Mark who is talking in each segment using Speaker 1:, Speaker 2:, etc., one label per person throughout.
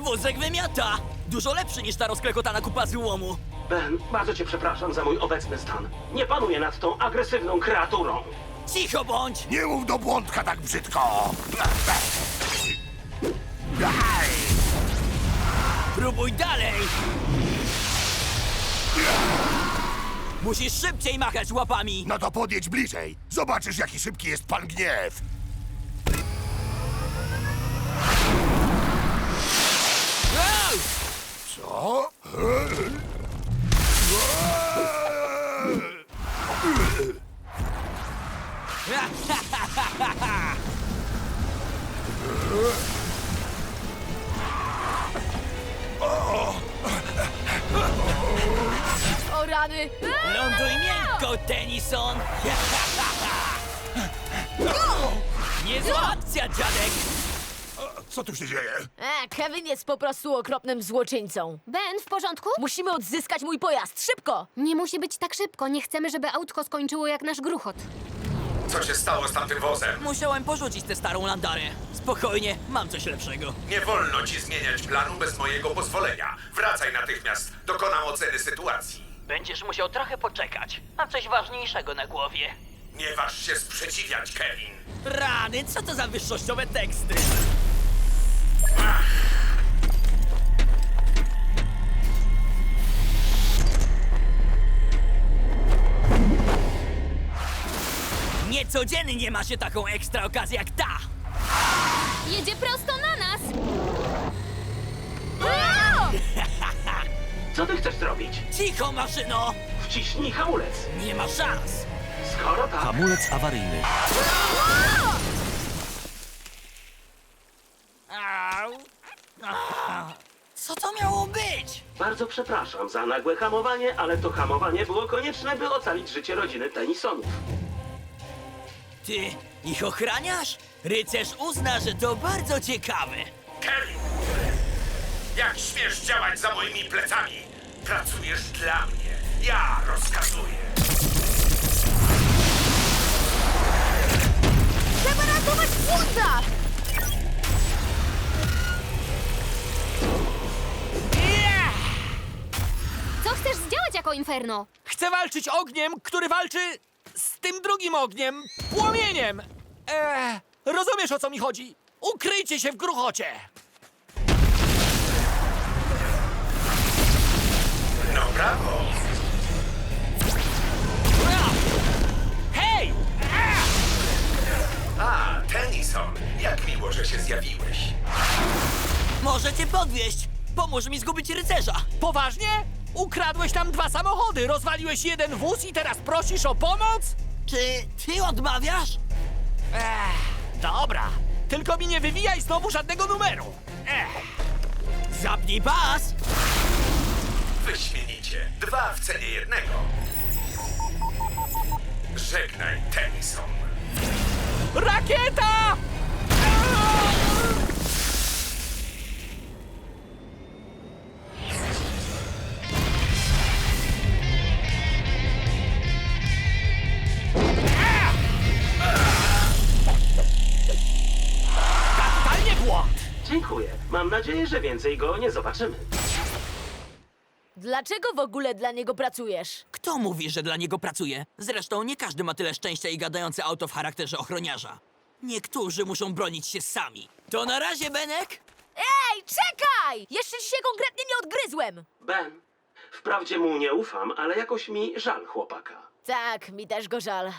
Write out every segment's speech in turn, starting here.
Speaker 1: wózek wymiata! Dużo lepszy niż ta rozklekotana kupa złomu.
Speaker 2: Ben, bardzo cię przepraszam za mój obecny stan. Nie panuję nad tą agresywną kreaturą.
Speaker 1: Cicho bądź!
Speaker 3: Nie mów do błądka tak brzydko!
Speaker 1: Próbuj dalej! Musisz szybciej machać łapami!
Speaker 3: No to podjedź bliżej. Zobaczysz, jaki szybki jest pan gniew.
Speaker 1: Au!
Speaker 3: Co?
Speaker 4: O rany!
Speaker 1: Ląduj miękko, Tennyson! Niezła akcja, dziadek!
Speaker 3: Co tu się dzieje?
Speaker 4: Kevin jest po prostu okropnym złoczyńcą.
Speaker 5: Ben, w porządku?
Speaker 4: Musimy odzyskać mój pojazd, szybko!
Speaker 5: Nie musi być tak szybko. Nie chcemy, żeby autko skończyło jak nasz gruchot.
Speaker 6: Co się stało z tamtym wozem?
Speaker 1: Musiałem porzucić tę starą landarę. Spokojnie, mam coś lepszego.
Speaker 6: Nie wolno ci zmieniać planu bez mojego pozwolenia. Wracaj natychmiast. Dokonam oceny sytuacji.
Speaker 1: Będziesz musiał trochę poczekać. Mam coś ważniejszego na głowie.
Speaker 6: Nie waż się sprzeciwiać, Kevin.
Speaker 1: Rany, co to za wyższościowe teksty? Niecodziennie ma się taką ekstra okazję jak ta!
Speaker 5: Jedzie prosto na nas!
Speaker 2: Co ty chcesz zrobić?
Speaker 1: Cicho, maszyno!
Speaker 2: Wciśnij hamulec.
Speaker 1: Nie ma szans!
Speaker 2: Skoro tak,
Speaker 7: Hamulec awaryjny.
Speaker 1: Au. Co to miało być?
Speaker 2: bardzo przepraszam za nagłe hamowanie, ale to hamowanie było konieczne, by ocalić życie rodziny Tennysonów.
Speaker 1: Ty ich ochraniasz? Rycerz uzna, że to bardzo ciekawe.
Speaker 6: Kevin! Jak śmiesz działać za moimi plecami? Pracujesz dla mnie. Ja rozkazuję.
Speaker 4: Trzeba ratować błąda!
Speaker 5: Co chcesz zdziałać jako Inferno?
Speaker 8: Chcę walczyć ogniem, który walczy z tym drugim ogniem, płomieniem. Rozumiesz, o co mi chodzi? Ukryjcie się w gruchocie.
Speaker 6: No brawo!
Speaker 8: Hej!
Speaker 6: A, Tennyson, jak miło, że się zjawiłeś.
Speaker 1: Może cię podwieźć. Pomóż mi zgubić rycerza.
Speaker 8: Poważnie? Ukradłeś tam 2 samochody, rozwaliłeś jeden wóz i teraz prosisz o pomoc?
Speaker 1: Czy ty odmawiasz?
Speaker 8: Dobra, tylko mi nie wywijaj znowu żadnego numeru.
Speaker 1: Zapnij pas!
Speaker 6: Wyśmienicie. 2 w cenie jednego. Żegnaj, Tennyson.
Speaker 8: Rakieta! Kapitalnie błąd!
Speaker 2: Dziękuję. Mam nadzieję, że więcej go nie zobaczymy.
Speaker 4: Dlaczego w ogóle dla niego pracujesz?
Speaker 1: Kto mówi, że dla niego pracuje? Zresztą nie każdy ma tyle szczęścia i gadające auto w charakterze ochroniarza. Niektórzy muszą bronić się sami. To na razie, Benek?
Speaker 4: Ej, czekaj! Jeszcze ci się konkretnie nie odgryzłem!
Speaker 2: Ben, wprawdzie mu nie ufam, ale jakoś mi żal chłopaka.
Speaker 4: Tak, mi też go żal.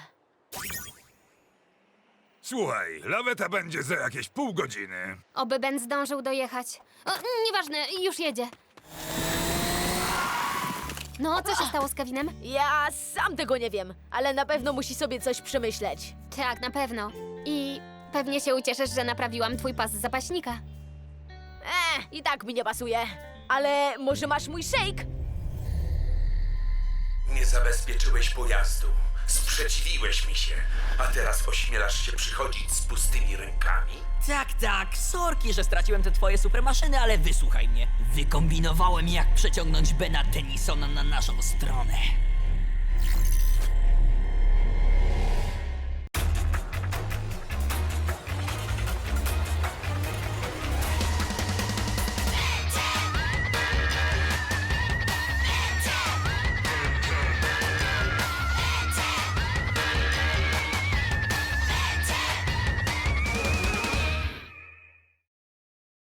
Speaker 9: Słuchaj, laweta będzie za jakieś pół godziny.
Speaker 5: Oby Ben zdążył dojechać. O, nieważne, już jedzie. No, co się stało z Kevinem?
Speaker 4: Ja sam tego nie wiem, ale na pewno musi sobie coś przemyśleć.
Speaker 5: Tak, na pewno. I pewnie się ucieszysz, że naprawiłam twój pas z zapaśnika.
Speaker 4: I tak mi nie pasuje. Ale może masz mój shake?
Speaker 6: Nie zabezpieczyłeś pojazdu. Sprzeciwiłeś mi się. A teraz ośmielasz się przychodzić z pustymi rękami?
Speaker 1: Tak, sorki, że straciłem te twoje supermaszyny, ale wysłuchaj mnie. Wykombinowałem, jak przeciągnąć Bena Tennysona na naszą stronę.